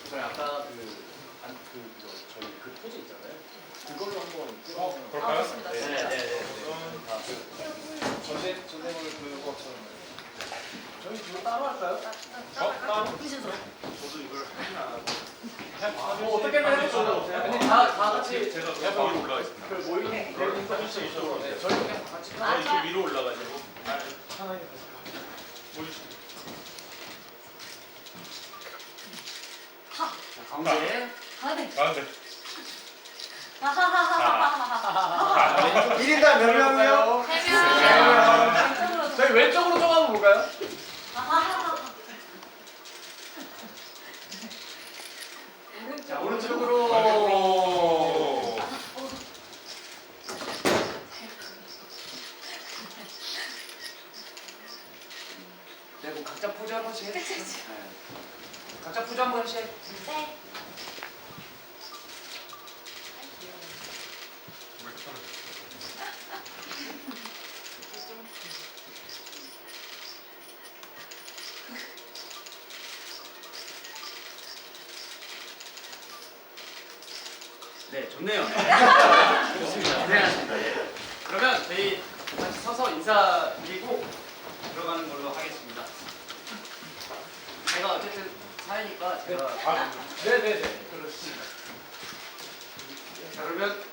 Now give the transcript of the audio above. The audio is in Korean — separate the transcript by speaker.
Speaker 1: 저희 아까 저희 그 포즈 있잖아요. 그걸로 한번 찍어보면.
Speaker 2: 그럴까요?
Speaker 3: 좋습니다.
Speaker 1: 네.
Speaker 4: 전대모를 그거처럼. 저희 지금 따로 할까요?
Speaker 3: 따로 무슨 소리?
Speaker 1: 저도 이걸 하진 않아요.
Speaker 4: 뭐 어떻게든 해보죠.
Speaker 1: 근데 다 같이
Speaker 2: 제가 위로 올라가겠습니다.
Speaker 1: 그 모이는
Speaker 4: 저희 그냥 다 같이.
Speaker 2: 이렇게 위로 올라가지고
Speaker 4: 하나님.
Speaker 2: 올리시죠.
Speaker 1: 가운데.
Speaker 3: 아, 네.
Speaker 2: 아, 네.
Speaker 3: 하하하하하하하.
Speaker 4: 1인당 몇 명이요?
Speaker 3: 왼쪽으로.
Speaker 4: 저희 왼쪽으로 좀 한번 볼까요?
Speaker 3: 하하하하.
Speaker 4: 자, 오른쪽으로. 네, 뭐 각자 포즈 한 번씩 해주세요. 네. 각자 포즈 한 번씩.
Speaker 3: 네.
Speaker 1: 네, 좋네요. 좋습니다. 고생하셨습니다. 예. 그러면 저희 다시 서서 인사드리고 들어가는 걸로 하겠습니다. 제가 어쨌든 사회니까 제가
Speaker 4: 네네네. 그렇습니다.
Speaker 1: 자, 그러면